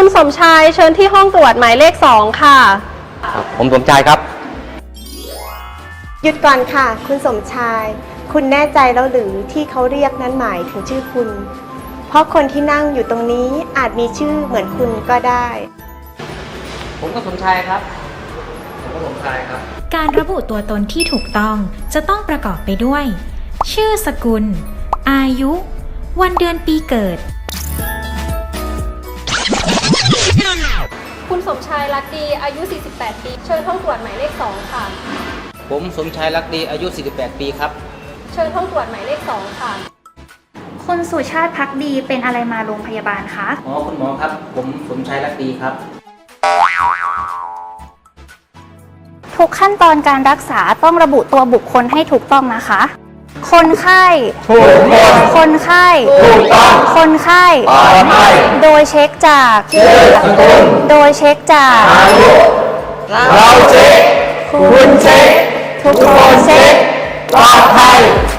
คุณสมชายเชิญที่ห้องตรวจหมายเลข2ค่ะผมสมชายครับหยุดก่อนค่ะคุณสมชายคุณแน่ใจแล้วหรือที่เขาเรียกนั้นหมายถึงชื่อคุณเพราะคนที่นั่งอยู่ตรงนี้อาจมีชื่อเหมือนคุณก็ได้ผมก็สมชายครับผมก็สมชายครับการระบุตัวตนที่ถูกต้องจะต้องประกอบไปด้วย ชื่อสกุลอายุวันเดือนปีเกิดคุณสมชายรักดีอายุ 48 ปีเชิญห้องตรวจหมายเลข2ค่ะผมสมชายรักดีอายุ 48 ปีครับเชิญห้องตรวจหมายเลข2ค่ะคุณสุชาติภักดีเป็นอะไรมาโรงพยาบาลคะคุณหมอครับผมสมชายรักดีครับทุกขั้นตอนการรักษาต้องระบุตัวบุคคลให้ถูกต้องนะคะคนไข้ถูกต้องคนไข้ถูกต้องคนไข้ปลอดภัยโดยเช็คจากชื่อสกุลโดยเช็คจากอายุเราเช็คคุณเช็คทุกคนเช็คปลอดภัย